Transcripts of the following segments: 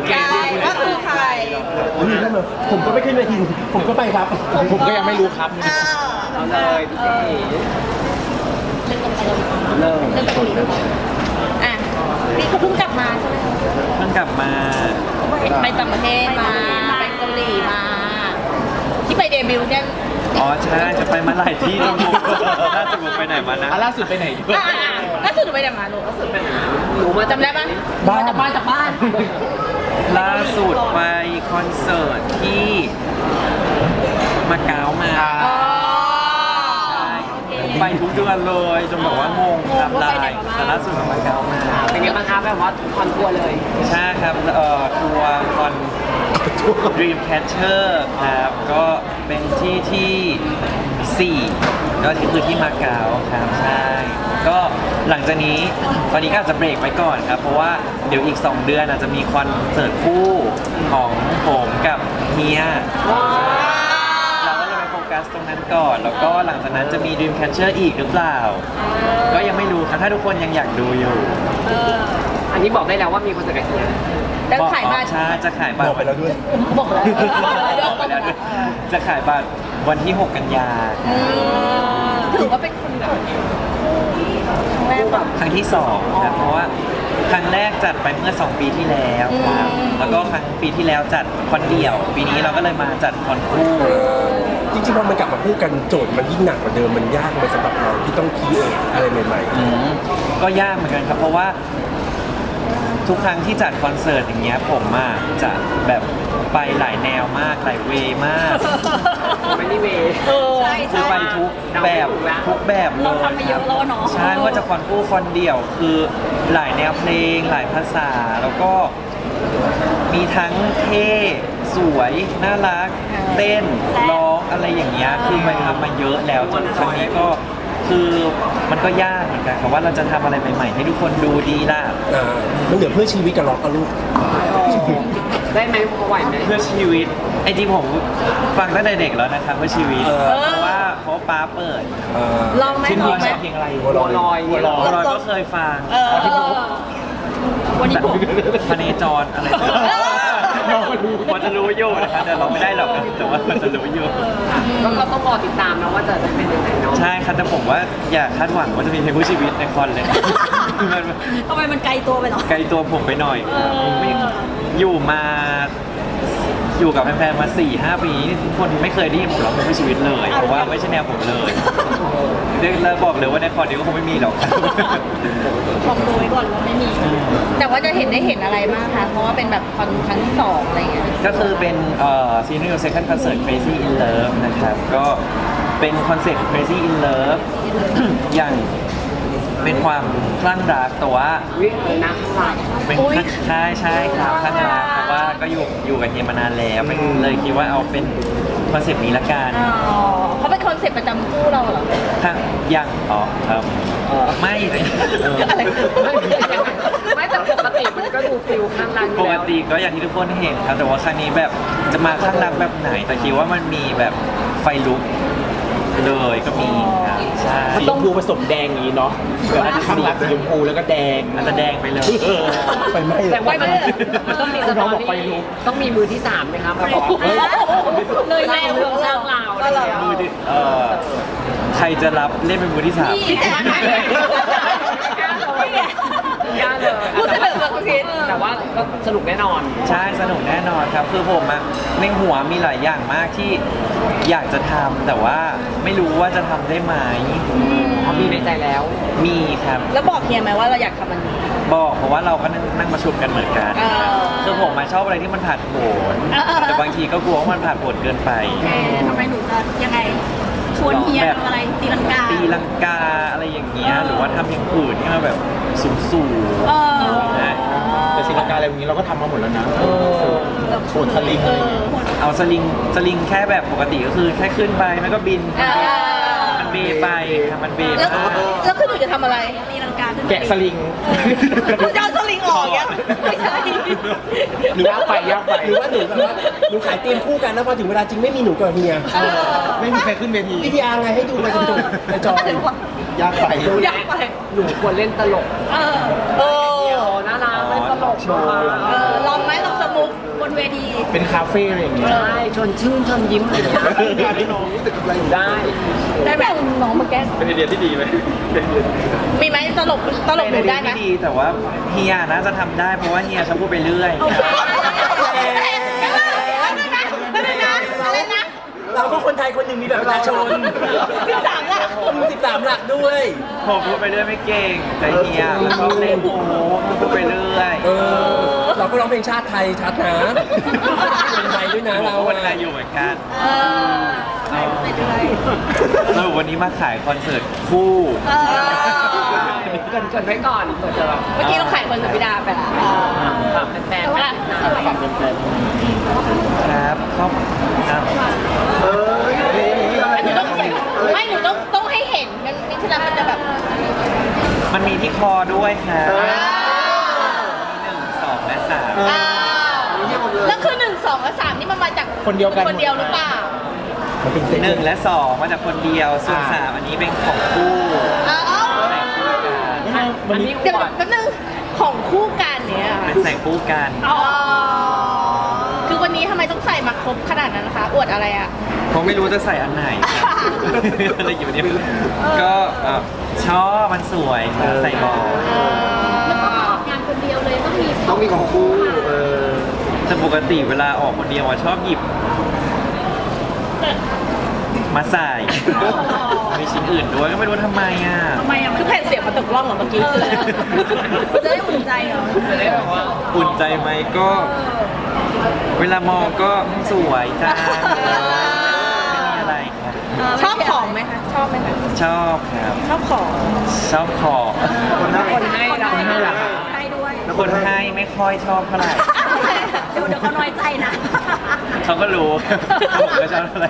ใช่ว่าคือใครผมก็ไม่ขึ้นเวทีผมก็ไปครับผมก็ยังไม่รู้ครับเอาเลยพี่เอ๋เริ่มอ่ะนี่เขาเพิ่งกลับมาใช่ไหมเพิ่งกลับมาไปต่างประเทศมาไปเกาหลีมาที่ไปเดบิวต์เนี่ยอ๋อใช่จะไปมาหลายที่แล้วผมล่าสุดผมไปไหนมานะล่าสุดไปไหนล่าสุดหนูไปไหนมาลูกล่าสุดไปไหนหนูมาจำได้ปะบ้านจากบ้านจากบ้านล่าสุดไปคอนเสิร์ตที่มาเก๊ามาอ๋อไปทุกเดือนเลยจนบอกว่างงครับได้แต่ล่าสุดมาเก๊ามาเป็นไงบ้างคะแบบว่าคอนทัวร์เลยใช่ครับทัวร์คอน Dreamcatcher ครับก็เป็นที่4ก็คือที่มาเก๊าครับใช่ก็หลังจากนี้ตอนนี้ก็อาจจะเบรกไว้ก่อนครับเพราะว่าเดี๋ยวอีก2 เดือนอาจจะมีคอนเสิร์ตคู่ของผมกับเฮียเราก็เลยไปโฟกัสตรงนั้นก่อน แล้วก็หลังจากนั้นจะมี Dreamcatcher อีกหรือเปล่าก็ยังไม่รู้ครับถ้าทุกคนยังอยากดูอยู่อันนี้บอกได้แล้วว่ามีคอนเสิร์ตกับเฮียแล้วขายบัตรใช่จะขายบัตบรอกไปแล้วด้วยบอกแล้วบอกไปแล้วด้วยจะขายบัตรวันที่ 6 กันยาถือว่าเป็นคนแบบครั้งแรกแบบครั้งที่2ครับเพราะว่าครั้งแรกจัดไปเมื่อ2 ปีที่แล้วครับแล้วก็ครั้งปีที่แล้วจัดคอนเดี่ยว ปีนี้เราก็เลยมาจัดคอนคู่จริงๆพอมันกลับมาพูดกันโจทย์มันยิ่งหนักกว่าเดิมมันยากเลยสำหรับเราที่ต้องคิดอะไรใหม่ก็ยากเหมือนกันครับเพราะว่าทุกครั้งที่จัดคอนเสิร์ตอย่างเงี้ยผมจะแบบไปหลายแนวมากหลายเวย์มากไม่ได้เวย์ใช่คือใช่ไปทุกแบบทุกแบบเลเรายทำมาเยอะแล้วเนาะใช่ว่าจะคอนคู่คอนเดี่ยวคือหลายแนวเพลงหลายภาษาแล้วก็มีทั้งเท่สวยน่ารักเต้นร้องอะไรอย่างเงี้ยคือไปทำมาเยอะแล้วจนครั้งนี้ก็คือมันก็ยากเหมือนกันครับว่าเราจะทำอะไรใหม่ๆให้ทุกคนดูดีล่ะมันเหลือเพื่อชีวิตกับล็อกกับลูกได้ไหมพอไหวไหมเพื่อชีวิตไอ้ที่ผมฟังตั้งแต่เด็กแล้วนะครับเพื่อชีวิตเพราะว่าป้าเปิดลองไหมชิ้นลนี้องไหมใช้เพลงอะไรบัวลอยบัวลอยก็เคยฟังวันนี้ผมพเนจรอะไรมันจะรู้อยู่นะครับแต่เราไม่ได้หรอกแต่ว่ามันจะรู้อยู่ก็ต้องรอติดตามนะว่าจะเป็นยังไงเนาะใช่ครับแต่ผมว่าอย่าคาดหวังว่าจะมีเพลงเพื่อชีวิตในคอนเลยมันทำไมมันไกลตัวไปหรอไกลตัวผมไปหน่อยไม่อยู่มาอยู่กับแฟนๆมา 4-5 ปีทุกคนไม่เคยได้ยินผมร้องเพลงเพื่อชีวิตเลยเพราะว่าไม่ใช่แนวผมเลยแล้วบอกเลยว่าในคอนนี้ก็คงไม่มีหรอกบอกโดยก่อนว่าไม่มี แต่ว่าจะเห็นอะไรบ้างคะ เพราะว่าเป็นแบบคอนครั้งที่ 2อะไรอย่างเงี้ยก็คือเป็นซีรีส์ second concert Crazy in Love นะครับ ก็เป็นคอนเซ็ปต์ Crazy in Love อย่างเป็นความคลั่งรักแต่ว่าวิ่งเลยนะข้างหลังเป็นใช่ครับคลั่งรักเพราะว่าก็อยู่กับเฮียมานานแล้วเลยคิดว่าเอาเป็นคอนเซ็ปต์นี้ละกันอ๋อเขาเป็นคอนเซ็ปต์ประจำคู่เราเหรอถ้ายังครับไม่อะไรไม่แต่ปกติมันก็ดูฟิลข้างหลังปกติก็อย่างที่ทุกคนเห็นครับแต่ว่าครั้งนี้แบบจะมาข้างรักแบบไหน แต่คิดว่ามันมีแบบไฟลุกเลยก็มีครับใช่สีชมพูผสมแดงอย่างนี้เนาะแบบข้างหลังสีชมพูแล้วก็แดงอาจจะแดงไปเลยไฟไหม้แต่ว่ามันต้องมีสตอรี่ต้องมีมือที่3ไหมครับแบบว่าเลยแนวเรื่องสร้างราวก็เหรอมือที่ใครจะรับเล่นเป็นมือที่ 3 พี่แต่ไหนยากเลยพูดเสนอแบบคิดแต่ว่าก็สนุกแน่นอนใช่สนุกแน่นอนครับ คือผมในหัวมีหลายอย่างมากที่อยากจะทำแต่ว่าไม่รู้ว่าจะทำได้ไหมมีในใจแล้วมีครับแล้วบอกเฮียไหมว่าเราอยากทำมันนี้บอกเพราะว่าเราก็นั่งประชุมกันเหมือนกัน คือผมชอบอะไรที่มันผ่านโผนแต่บางทีก็กลัวว่ามันผ่านโผนเกินไปทำไมหนูจะยังไง ชวนเฮียทำอะไรตีลังกาตีลังกาอะไรอย่างเงี้ยหรือว่าทำอย่างอื่นที่มันแบบสูงๆนะแต่ศิลปะอะไรอย่างนี้เราก็ทำมาหมดแล้วนะโชนสลิงอะไรอย่างเงี้ยเอาสลิงแค่แบบปกติก็คือแค่ขึ้นไปมันก็บินมันเบไปครับมันเบแล้วมากแล้วคือหนูจะทำอะไรตีลังกาแกะสลิงคุณจะเอาสลิงออกยังไม่ใช่หรือว่าไปยากไปหรือว่าหนูแบบว่าหนูขายเตรียมคู่กันแล้วพอถึงเวลาจริงไม่มีหนูกับเฮียไม่มีใครขึ้นเวทีวิทยาไงให้ดูไปจนในจอยากไปอยากไปหนูควรเล่นตลกเออน่ารักเล่นตลกมาลองไหมลองสมูเป็นคาเฟ่อะไรอย่างเงี้ยใช่ชวนชื่นชวนยิ้มเลยนะได้ได้แบบน้องมาแก้เป็นไอเดียที่ดีไหมมีไหมตลกหนูได้ไหมม่ดีแต่ว่าเฮียน่าจะทำได้เพราะว่าเฮียชอบพูดไปเรื่อยอะไรนะเราก็คนไทยคนหนึ่งมีแบบประชาชน 13 หลัก 13 หลักด้วยผมพูดไปเรื่อยไม่เก่งแต่เฮียชอบเล่นโอ้โหพูดไปเรื่อยเราก็ร้องเพลงชาติไทยชัดนะคนไทยด้วยนะผมเราก็คนไทยอยู่เหมือนกันไปเรื่อยสรุปวันนี้มาขายคอนเสิร์ตคู่เกินไว้ก่อนเปิดจะแบบเมื่อกี้เราขายคนสุดพิดาไปแล้วฝากแฟนๆอ่ะฝากแฟนครับครอบอ้าวหนูต้องไม่หนูต้องให้เห็นมันมีที่แล้วมันจะแบบมันมีที่คอด้วยครับมี1 2 และ 3 อ้าวแล้วคือ1 2 และ 3นี่มันมาจากคนเดียวกันคนเดียวหรือเปล่ามันเป็นเซ็ต 1 และ 2 มาจากคนเดียว ส่วน 3 อันนี้เป็นของคู่อ้าวใส่คู่กันๆมันมีเดี๋ยวแป๊บนึงของคู่กันเนี่ยเป็นใส่คู่กันอ๋อคือวันนี้ทำไมต้องใส่มาครบขนาดนั้นนะคะ อวดอะไรอ่ะผมไม่รู้จะใส่อันไหนครับ อะไรอยู่เนี่ยก็ชอบมันสวยครับใส่บอลแล้วก็ออกงานคนเดียวเลยต้องมีต้องมีของคู่แต่ปกติเวลาออกคนเดียวชอบหยิบ มาใส่ มีชิ้นอื่นด้วยก็ไม่รู้ทำไมอ่ะทำไมอ่ะคือแผ่นเสียงมาตกร่องเหรอเมื่อกี้คืออะไรจะได้อุ่นใจเหรอจะได้แบบว่าอุ่นใจไหมก็ เวลามองก็สวยจ้าไม่มีอะไรครับชอบของไหมคะ ชอบไหมคะชอบครับชอบของชอบของคนให้เราให้ราคาให้ด้วยคนให้ไม่ค่อยชอบเท่าไหร่เดี๋ยวเขาน้อยใจนะเขาก็รู้ ผมก็ชอบเท่าไหร่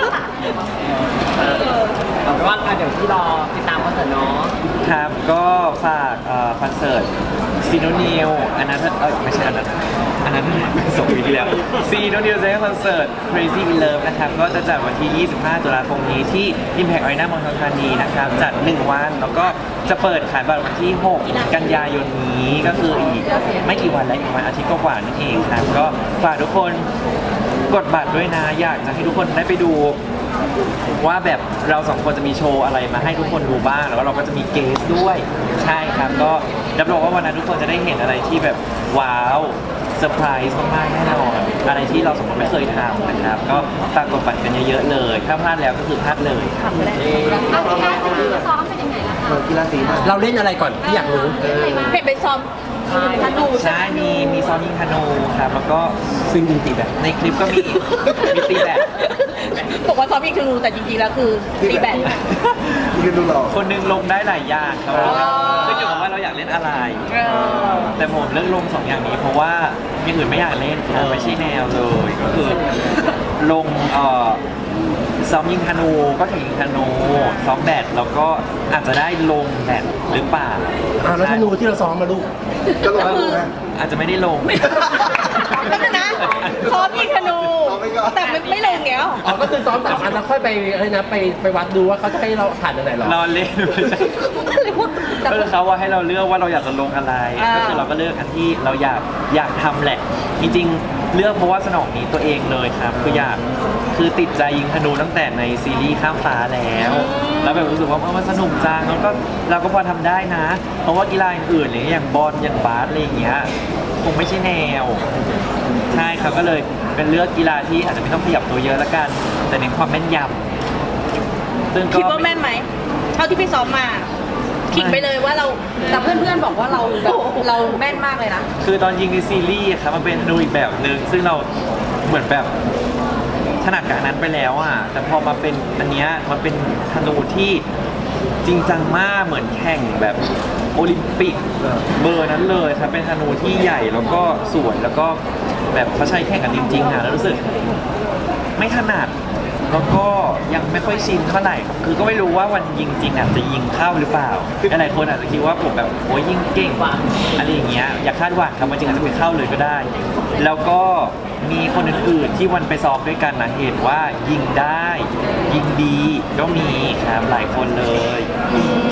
เอาเป็นว่าเดี๋ยวที่รอติดตามคอนเสิร์ตเนาะครับก็ฝากคอนเสิร์ตซีโนนิวอันนั้นไม่ใช่อันนั้นส่งปีที่แล้วซีโนนิวเซนคอนเสิร์ต Crazy in Love นะครับก็จะจัดวันที่ 25 ตุลาคมนี้ที่ Impact Arena เมืองทองธานีนะครับจัด 1 วันแล้วก็จะเปิดขายบัตรวันที่ 6 กันยายนนี้ก็คืออีกไม่กี่วันแล้วอีกวันอาทิตย์กว่าๆนั่นเองครับก็ฝากทุกคนกดบัตรด้วยนะอยากจะให้ทุกคนได้ไปดูว่าแบบเราสองคนจะมีโชว์อะไรมาให้ทุกคนดูบ้างแล้วก็เราก็จะมีเกสด้วยใช่ครับก็รับรองว่าวันนั้นทุกคนจะได้เห็นอะไรที่แบบว้าวเซอร์ไพรส์มากๆแน่นอนอะไรที่เราสองคนไม่เคยทำนะครับก็ฝากกดบัตรกันเยอะๆเลยถ้าพลาดแล้วก็คือพลาดเลยทำไม่ได้เอากีฬาสีซ้อมเป็นยังไงล่ะคะกีฬาสีมาเราเล่นอะไรก่อนที่อยากรู้เห็นเป็นซ้อมธนูใช่ใช่ไหมมีซ้อมยิงธนูครับแล้วก็ซึ่งจริงๆแบบในคลิปก็มีตีแบดบอกว่าซ้อมยิงธนูแต่จริงๆแล้วคือตีแบดยืนดูหล่อคนหนึงลงได้หลายอย่างครับขึ้นอยู่กับว่าเราอยากเล่นอะไร แต่ผมเลือกลง2 อย่างนี้เพราะว่าอย่างอื่นไม่อยากเล่นครับไม่ใช่แนวเลยก็คือลงซ้อมยิงธนูก็แข่งยิงธนูซ้อมแบดแล้วก็อาจจะได้ลงแบดหรือเปล่าแล้วธนูที่เราซ้อมมาลูกก็ลงดูนะอาจจะไม่ได้ลงแล้วนะซ้อมยิงธนู แต่ไม่ลงเงี้ยอ๋อก็คือซ้อม3 อันแล้วค่อยไปอะไรนะไปวัดดูว่าเขาจะให้เราผ่านอันไหนหรอรอเล่นไม่ใช่ก็คือเขาว่าให้เราเลือกว่าเราอยากจะลงอะไร ก็คือเราก็เลือกอันที่เราอยากทำแหละ จริงๆเลือกเพราะว่าสนองนี้ตัวเองเลยครับคือติดใจยิงธนูตั้งแต่ในซีรีส์ข้ามฟ้าแล้วแบบรู้สึกว่ามันสนุกจังแล้วก็เราก็พอทำได้นะ เพราะว่ากีฬาอื่นๆอย่างบอลอย่างบาสอะไรอย่างเงี้ยคงไม่ใช่แนวใช่ครับก็เลยเป็นเลือกกีฬาที่อาจจะไม่ต้องขยับตัวเยอะละกัน แต่เน้นความแม่นยำซึ่งก็คิดว่าแม่นไหมเท่าที่ไปซ้อมมาคิดไปเลยว่าเราแต่เพื่อนๆบอกว่าเราแบบเราแม่นมากเลยนะคือตอนยิงในซีรีส์อะครับมันเป็นธนูอีกแบบหนึ่งซึ่งเราเหมือนแบบถนัดกับอันนั้นไปแล้วอ่ะแต่พอมาเป็นอันเนี้ยมันเป็นธนูที่จริงจังมากเหมือนแข่งแบบโอลิมปิกเบอร์นั้นเลยครับเป็นธนูที่ใหญ่แล้วก็สวยแล้วก็แบบเขาใช้แข่งกันจริงๆอ่ะแล้วรู้สึกไม่ถนัดแล้วก็ยังไม่ค่อยชินเท่าไหร่ครับคือก็ไม่รู้ว่าวันยิงจริงอ่ะจะยิงเข้าหรือเปล่าหลายคนอาจจะคิดว่าผมแบบโอ้ยยิงเก่งอะไรอย่างเงี้ยอย่าคาดหวังครับวันจริงอาจจะไปเข้าเลยก็ได้ แล้วก็มีคนอื่นๆที่วันไปซ้อมด้วยกันนะเห็นว่ายิงได้ยิงดีก็มีครับหลายคนเลย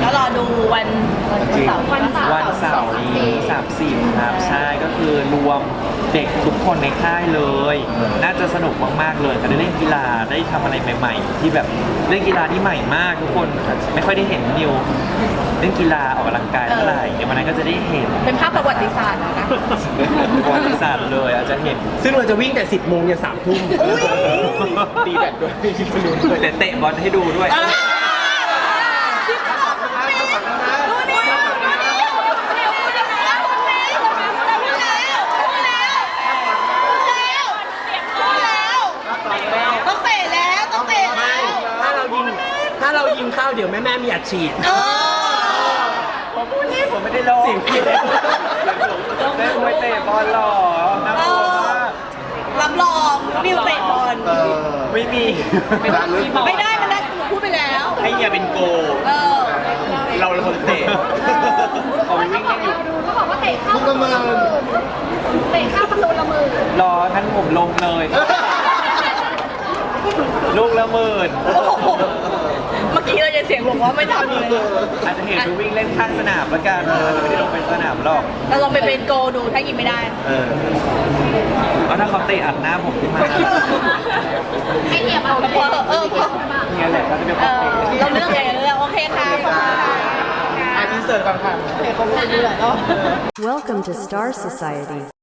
ก็รอดูวันเสาร์วันเสาร์นี้30ครับใช่ก็คือรวมเด็กทุกคนในค่ายเลย น่าจะสนุกมากๆเลยก็ได้เล่นกีฬาได้ทำอะไรใหม่ๆ ที่แบบเล่นกีฬาที่ใหม่มากทุกคนไม่ค่อยได้เห็นนิวเล่นกีฬาออกกำลังกายเท่าไหร่เดี๋ยววันนั้นก็จะได้เห็นเป็นภาพประวัติศาสตร์นะประวัติศาสตร์เลยอาจจะเห็นซึ่งเราจะวิ่งแต่ 10 โมงยัน3 ทุ่มตีแบตด้วยแต่เตะบอลให้ดูด้วยต้องเตะแล้วต้องเตะแล้วถ้าเรายิงเข้าเดี๋ยวแม่มีอัดฉีดผมพูดนี่ผมไม่ได้ลงเสียงผิดแม่ไม่เตะบอลหรอน่ากลัวมากรับรองนิวเตะบอลไม่มีไม่ได้มันได้หนูพูดไปแล้วให้เฮียเป็นโกเออเราเป็นคนเตะผมวิ่งเล่นอยู่เขาบอกว่าเตะเข้าประตูเตะเข้าประตูละมือรองั้นผมลงเลย ลูกละหมื่นโอ้โหเมื่อกี้เราจะเสียงบอกว่าไม่ทำเลยอาจจะเห็นดูวิ่งเล่นข้างสนามแล้วกันอาจจะไม่ได้ลงเป็นสนามหรอกเราลองไปเป็นโกดูถ้ายิงไม่ได้เพราะถ้าเขาเตะอัดหน้าผมขึ้นมาให้เหยียบเอาเลยเออพอเนี่ยแหละเขาจะเป็นเอคนเตะอเราเลือกไงเราเลือกโอเคค่ะขอบคุณค่ะอินเสิร์ตก่อนค่ะ Welcome to Star Society.